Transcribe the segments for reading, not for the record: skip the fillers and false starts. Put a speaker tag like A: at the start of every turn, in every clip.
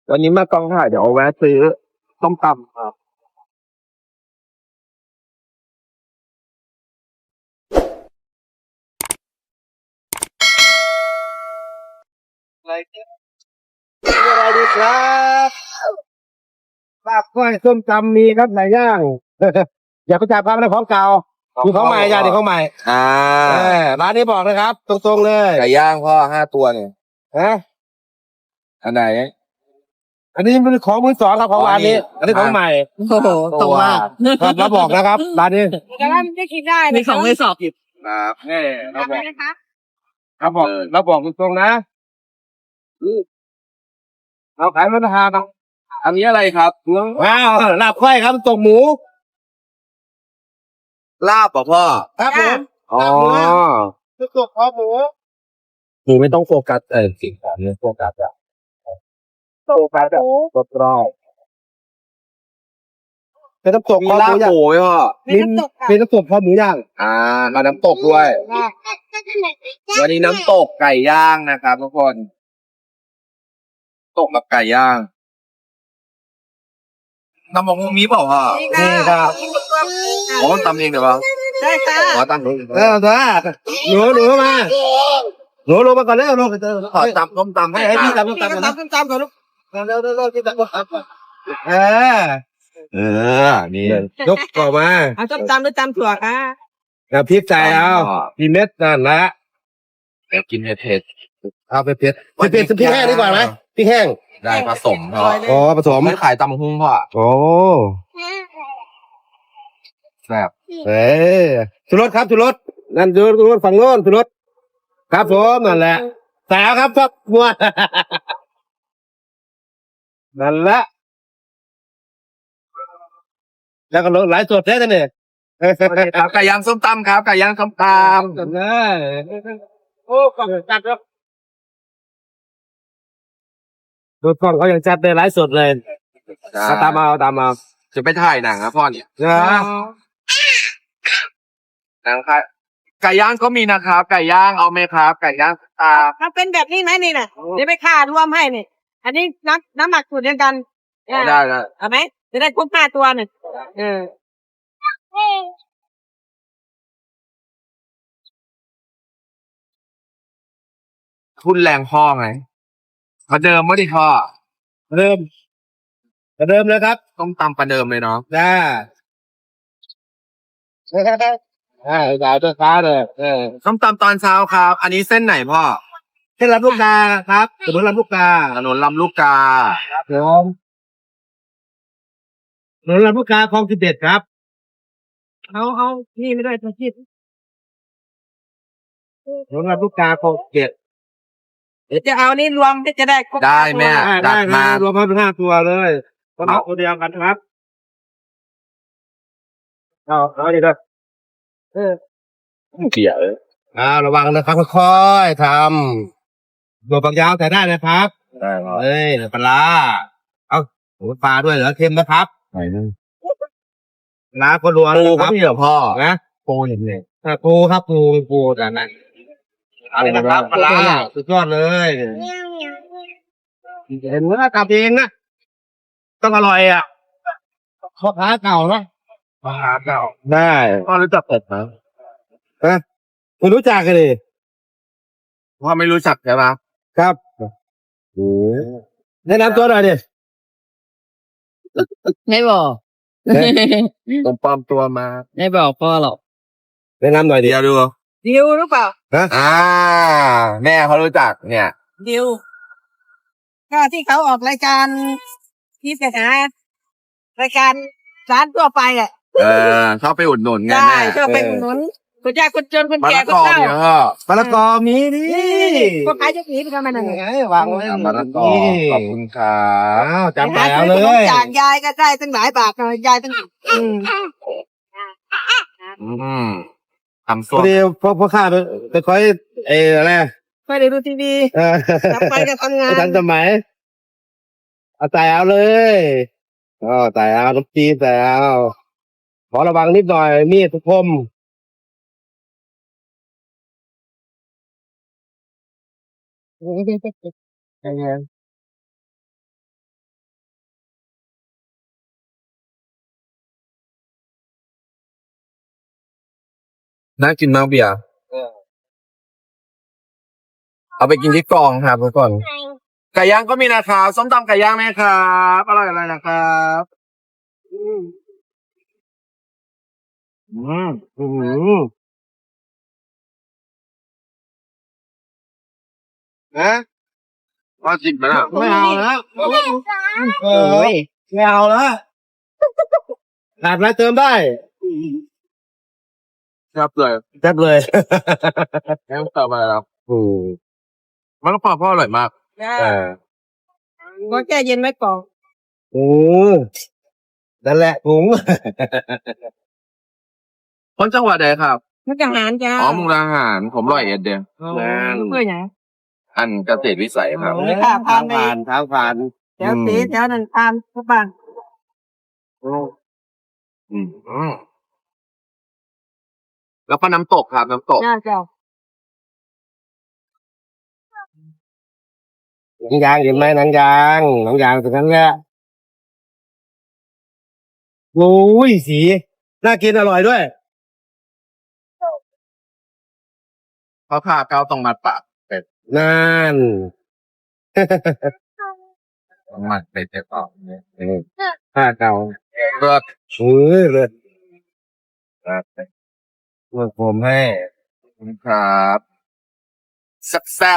A: วันนี้มากองถ่ายเดี๋ยวแวะซื้อต้มตำครับอะไรเนี่ยมีอะไรดีครับลาบก้อยส้มตำมีครับหลายอย่างอย่าไปจับครับนะของเก่ามีของใหม่จ้ะเดี๋ยวของใหม่
B: อ่า
A: ร้านนี้บอกนะครับตรงๆเลย
B: ไก่ย่างพ่อ5 ตัวเนี่ย
A: ฮะ
B: อันไหน
A: อันนี้เป็นของมือสองครับของร้านนี้ อันนี้ของใหม่
C: โอ้โหตรงมาก
A: ครับเราบอกนะครับร้านนี้
D: แต่ว่ามันจะกินได้
C: มีของไม่สอบ
B: ครับ
A: นี่เราบอก
D: นะคะ
A: เราบอกตรงๆนะเราขายราคาต้อง
B: อันนี้อะไรครับ
A: ว้าวลาบก้อยครับตกหมู
B: ลาบป่ะพ่อ
A: ครับผม
B: อ๋อ
A: คือตกคอหมูหมูไม่ต้องโฟกัสสิ่งของเนี่ยโฟกัสอะโฟกัสแบบรอบๆเป็นน้ำตก
B: มี
A: คอห
B: ลาบ
A: มูย่าง
B: หมูไหมพ่อ
D: มีน้ำตกค่ะ
A: เป็นน้ำตกคอหมูย่าง
B: มาน้ำตกด้วย วันนี้น้ำตกไก่ย่างนะครับทุกคน ตกแบบไก่ย่างน้ำมันมีเปล่าพ่อ
A: นี่ครับ
B: อ๋อตำเองเดี๋ยวเปล่า
D: ได้ค่ะ
B: อ๋อตำเอง
A: หนูมาหนูลงมาก่อนแล้วลงไปเจอ
B: ขอตำต้มตำให้
A: ให้
B: ให้
A: พี่
B: พี่
A: ตำก่อนนะ
D: ตามก่อนลูก
A: เร็วพี่ตำก่อนนี่ยกก่อนมา
D: เอาตามหรือตามถั่วค่ะ
A: แล้วพริกใส่เอาพี่เม็ดนั่นละ
B: เดี๋ยวกินเผ็ด
A: เอาไปเผ็ดพริกแห้งดีกว่าไหมพริกแห้ง
B: ๆได้ผสมพ่อ
A: อ๋อผสม
B: ไม่ขายตำหุ้งพ่อ
A: โอ้
B: แซ่บ
A: เอ้ชูรสครับชูรสนั่นชูรสฝั่งโน้นชูรสครับผมนั่นแหละแสวครับครับมัวนั่นแหละแล้วก็หลายสดแท้เนี่ย
B: ครับไก่ย่างส้มตำครับไก่ย่างส้มต
A: โอ้กล่องจัดแล้วดูกล้องเขายังจัดได้หลายสดเลย
B: ำ
A: ตามเอา
B: จะไปถ่ายหนังนะพ่อเนี่ย
A: นะ
B: หนังค่ะไก่ย่างก็มีนะครับไก่ย่างเอาไหมครับไก่ย่างตา
D: ถ้าเป็นแบบนี้ไหมนี่น่ะเดี๋ยวไปค่ารวมให้นี่อันนี้น้ำหมักสูตรเดียวกัน
B: ได้ได้
D: เอาไหมจะได้ครบ5 ตัวเนี่ยเออ
B: ทุนแรงพ่อไงประเดิมไม่ได้พ่อ
A: เริ่มเลยครับ
B: ต้มตำประเดิมเลยเนาะ
A: จ้าดาวเจ้าฟ้าเลย
B: ต้มตำตอนเช้าครับ อันนี้เส้นไหนพ่อ
A: เส้นลำลูกกาครับถนนลำลูกกา
B: ถนนลำลูกกา
A: ครับผมถนนลำลูกกาคลอง11ครับ
D: เอานี่ไม่ได้ตัวคิด
A: ถนนลำลูกกาคลอง11
D: เดี๋ยวจะเอานี่รวมจะได้ครบ
B: ได้แม่
A: ได้
B: จัดมา
A: รวมให้เป็น5 ตัวเลยต้องเอาตัวเดียวกันครับเอาดีด้วยเกี่ยวระวังนะครับค่อยๆทำตัวฝักยาวใส่ได้นะครับ
B: ได้พ่อ
A: เอ้ยปลาเอาหมูปลาด้วยเหรอเค็มนะครับปลาก็รวน
B: ปู
A: ค
B: ก็
A: รับ
B: มีเหรอพ่อ
A: นะ
B: ปูอย่างนี้
A: ปูครับปูแต่นั้นอะไรนะครับปลาสุดยอดเลยเห็นว่าทำเองนะต้องอร่อยอ่ะพ่อค้าเก่านะ
B: ปลาเก่า
A: ได้
B: พ่อรู้จักเป็ดไหม
A: ไม่รู้จักกันดิ
B: พ่อไม่รู้จักใช่ไหม
A: ครับแนะนำตัวหน่อยดิ
C: ไม่บอก
B: ผมปลอมตัวมา
C: ไม่บอกพ่อหรอก
A: แนะนำหน่อยดิ
B: เดี๋ยวดู
D: ดิวหรือเปล่า
B: แม่เขารู้จักเนี่ย
D: ดิวก็ที่เขาออกรายการที่ไปหารายการร้านทั่วไปอ่ะ
B: ชอบไปอุดหนุนไง
D: ได้
B: แม่
D: เพื่อไปอุดหนุนคนยากคนจนคน
B: มะ
D: แก่
B: ละ
D: ก็
B: กอ
D: เข้า
B: เนี่ยพ่อ
A: มะละกอมีดิ
D: ก็ขายจะหนีไปทำไมนั่น
A: ไงวางไว้
B: มะละกอขอบคุณครับ
A: อ้าวจำ
D: หา
A: แล้ว
D: ซื้อ
A: เล
D: ขนม
A: ย
D: จากยายก็ได้ตั้งหลายบาทหน่อยยายตั้ง
B: ทำ
A: พ
B: ส้ว
A: อ
B: ม
A: ดีพ่อข้าไปคอยอะไร
D: เคยได้ดูทีวี
A: เออก
D: ลับไปก็ทำงาน
A: ทันสมัยเอาแต่เอาเลยแต่เอาน้ำจีนแต่เอาขอระวังนิดหน่อยมีดคม
B: น่ากินมากเบียร์เอาไปกินที่กองครับทุกคนไก่ย่างก็มีนะครับส้มตำไก่ย่างไหมครับอร่อยนะครับ
A: อืมนะ
B: ว่าจริงไหมล่ะ
A: ไม่เอาแล้วเออไม่เอาแล้วขาดอะไรเติมได้
B: ครับเลย
A: แซ่บเลย
B: แค่ต่อไปแล้ว
A: อืม
B: มันก็พอพ่ออร่อยมาก
D: จ้า
A: อ่า
D: ก็แช่เย็นไว้ก่อน
A: โอ้นั่นแหละถุง
B: คนจังหวัดใดครับ
D: มุกอาหารจ้า
B: อ๋อมุกดาหารผมร้อยเอ็ดเดียว
D: เพื่ออย่าง
B: อันเกษตรวิสัยครับ
D: ไม่ค่ะผ่านไป
A: ทางผ่าน
D: แถวตีแถวนั้นผ่านทุกบ้าน
B: อืมแล้วก็น้ำตกครับน้ำตก
D: จ้าเจ้า
A: หนังยางเห็นไหมหนังยางตรงนั้นแหละโอ้ยสีน่ากินอร่อยด้วย
B: เขาผ่าเกาตรงมัดปาก
A: นั่น
B: ตรงมัดไปเจ็บออกเนี่ย
A: ผ้าเก่า
B: เลิศ
A: เออเลยเมื่อผมให้
B: ครับแซ่บ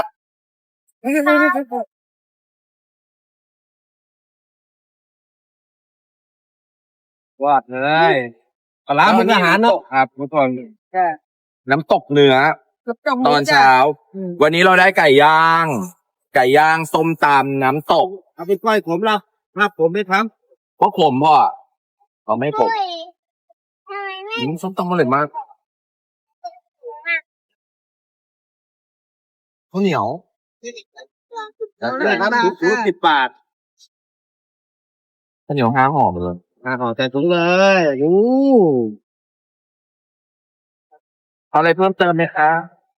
A: วาดเลยปลาร้ามุกอาหารเนาะ
B: ครับทุกคน
D: จ้า
B: น้ำตกเนื้อ ตอนเช้า วันนี้เราได้ไก่ย่าง ส้มตำน้ำตก
A: เอาไปก้อยขมเราครับผมไม่ท
B: เพราะขมพ่อเราไม่ขมส้มตำอร่อยมากข้าวเหนียว
A: ำเลยครับถุง10 บาท
B: ข้าวเหนียว5 ห่อมาเลย
A: ห่อใส่ถุงเลยอู้
B: เอาอะไรเพิ่มเติมไหมคะ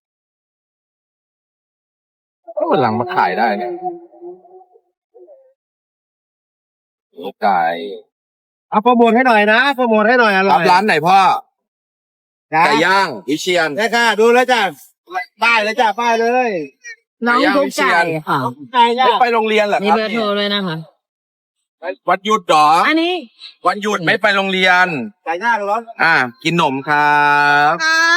B: ก็วันหลังมาขายได้เนี่ยไก่
A: เอาโปรโมทให้หน่อยนะโปรโมทให้หน่อยอร่
B: รั
A: อบ ย
B: ร้านไหนพ่อ
A: จ้า
B: ไก่ย่างวิเชียน
A: ได้ค่ะดูแล้วจ้าป้ายเลยจ้าป้ายเลย
C: น้อง
B: ไก่ย่าง
C: กุ๊ก
B: วิเชี
C: ไก่
B: ยน
C: ค่ะ
A: ไก่ย่า
B: ไม่ไปโรงเรียนเหรอ
C: มี
B: ครับ
C: เบอร์โทรเลยนะคะ
B: วันหยุดเหรอ
C: อันนี้
B: วันหยุดไม่ไปโรงเรียน
A: ไก่ย่างร้อน
B: กินหนมครับ
D: ครับ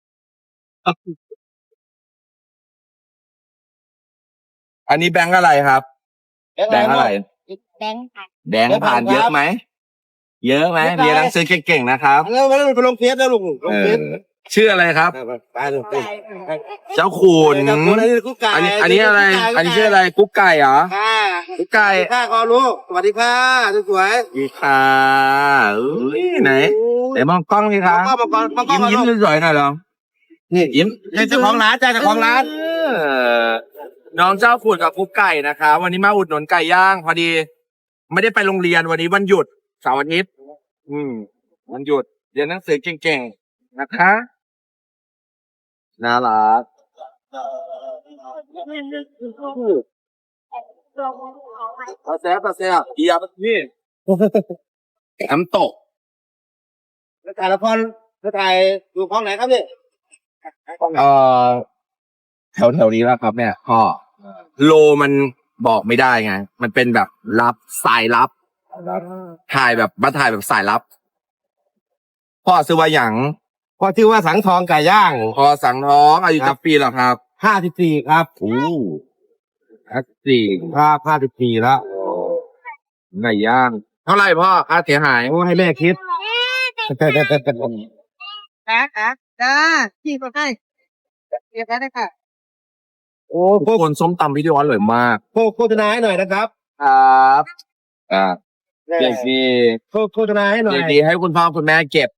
B: อันนี้แบงค์อะไรครับ แบงค์อะไร
D: แบงค์ค่ะ
B: แบงค์ผ่านเยอะไหม เยอะไหมเรียนหนังสือเก่งๆนะครับ
A: แล้วมันไปลงเฟซแล้วลุงลงเฟซ
B: ชื่ออะไรครับ
A: ไปลงเฟซ
B: เจ้าขุน
A: เจ้าคุณอันนี้กุ๊กไก่
B: อันนี้อะไร อันนี้ชื่ออะไร กุ๊กไก่เหรอ
A: ค่ะ
B: กุ๊กไก่
A: ค่ะขอรู้สวัสดีค่ะสวย
B: อีค่ะอุ้ยไหนไหนมองกล้องสิคะ
A: มาก่อนมาก่อน
B: ยิ้มสวยๆหน่อยเหรอ
A: นี่
B: ยิ้ม
A: เจ้าของร้านจ้าเจ้าของร้าน
B: น้องเจ้าขุนกับกุ๊กไก่นะคะวันนี้มาอุดหนุนไก่ย่างพอดี ไม่ได้ไปโรงเรียนวันนี้วันหยุดเสาร์อาทิตย์วันหยุดเรียนหนังสือเก่งๆนะคะน่ารักตาแซ่บเอียบนี่น้ำตก
A: แล้วถ่ายละครแล้วถ่ายดูของไหนครับนี่
B: แถวนี้แล้วครับเนี่ยพ่อโลมันบอกไม่ได้ไง มันเป็นแบบลับสายลับ ถ่ายแบบสายลับ พ่อซื้อว่าหยัง
A: พอชื่อว่าสังทองไก่ย่าง
B: พอสั่งท้องอายุจักปีแล้วครับ
A: 54ครับ
B: โอ้อักสี่
A: ครับ54แล้ว
B: ไก่ย่าง เท่าไหร่พ่อค่าเสียหาย
A: โอ้ให้แม่คิด
D: ค่ะจ้าพี่ก็ให้เรียบร้อยได้ค่ะ
A: โอ้
B: พวกคนส้มตำวิดีโออร่อยมาก
A: โฆษณาให้หน่อยนะครับ
B: ครับเด็กดี
A: โฆษณาให้หน่อย
B: เด็กดีให้คุณพ่อคุณแม่เก็บ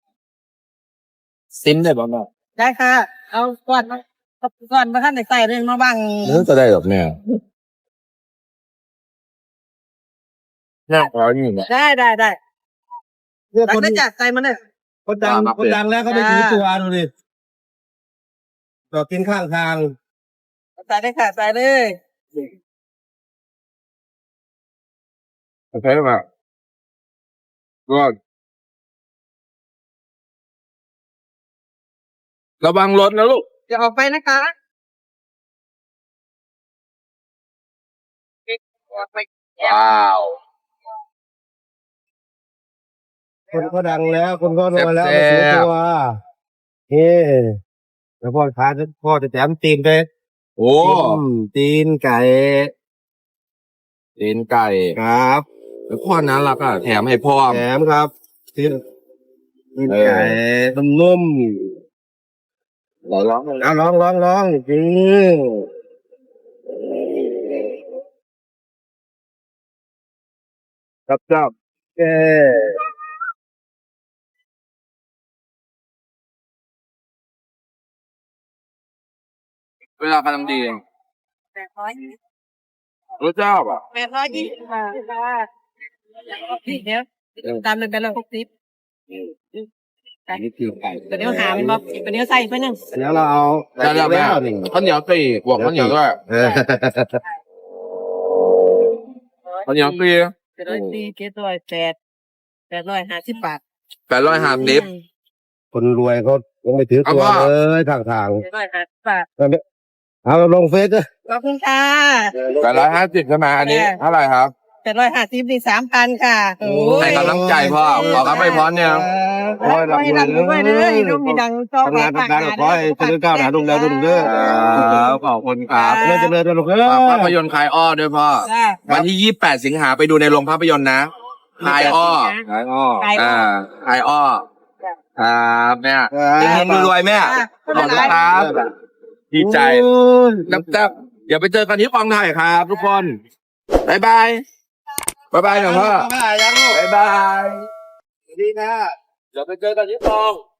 B: ซิมได้บ้างไหม
D: ได้ค่ะ เอาก่อนมาท่านใส่เรื่องมาบ้าง
B: เนื้อจะได้หรอเนี่ยน่าขออยู่เนี่ย
D: ได้
A: เนี่ย
D: หลั
A: ค
D: ง
A: น
D: ได้จัดใส่มาเนี่ย
A: คนดัง
B: มา
A: คนดังแล้วเขาไม่ถือตัวดูดิต่อกินข้างทาง
D: ใส่ได้ค่ะใส่เลย
B: ใช่ไหมก็ระวังรถนะลูก
D: จะออกไปนะคะออกไป
B: ว้าว
A: คนก็ดังแล้วคนก็รวยแล้ว
B: แซ่
A: ไม่
B: บๆ
A: เสียตัวเฮ้แล้วพ่อจะแถมตีนไป
B: โอ้
A: ตีนไก่
B: ตีนไก่
A: ครับ
B: แล้วพ่อน่ารักอ่ะแถมให้พ่อ
A: แถมครับตีนไก่นุ่ม
B: ลอง
A: ๆเอาลองจริงครับเออ
B: เวลากำลังดีเอง
D: 820
B: รู้จักอ่ะ
D: 820ค่ะเดี๋ยวตามเลยไปเลย60
A: นี่คือไก่
D: ตัวเดียวหามันบอกตัวเดียวใส่ไปหนึ่ง
A: เดี๋ยวเราเอา
B: ได้แล้วแม่
A: นี่
B: ข้าวเหนียวตีบวกข้าวเหนียวด้วย
A: เออ
B: ข้าวเหนียวตี
D: 850 บาท
B: 850
A: คนรวยเขายังไม่ถือตัว
B: เอาว่า
A: เลยทาง
D: 850 บาท
A: ๆเอาลงเฟซด้วย
D: ขอบคุณค่ะ
B: 850ใช่ไหมอันนี้เท่าไหร่ครับ
D: 850นี่3,000ค่ะโอ้ย
B: ให้กำลังใจพ่อขอรับไปพรเนี่ย
A: โอ้ย
D: ขอให้ร่ำรวยเด้อลูกมีดังชอบ
A: ทำงานขอให้เจริญก้าวหน้ารุ่งเรืองรุ่งเรือง
B: ขอบคุณครับ
A: เจริญรุ่งเรือง
B: ฝากภาพยนตร์คลายอ้อด้วยพ่อ
D: จ้า
B: วันที่ 28 สิงหาไปดูในโรงภาพยนตร์นะคลายอ้อ
A: ขายอ้อ
D: ขาย
B: อ่าคลายอ้อครับแม่เฮงๆรวยๆแม่ขอบคุณครับดีใจนับเดี๋ยวไปเจอกันที่กองถ่ายครับทุกคนบ๊ายบายบ๊ายบายหน่อยพ่อ
A: ยังลูก
B: บ๊ายบาย
A: ดีนะ
B: เดี๋ยวไปเจอกันที่กอง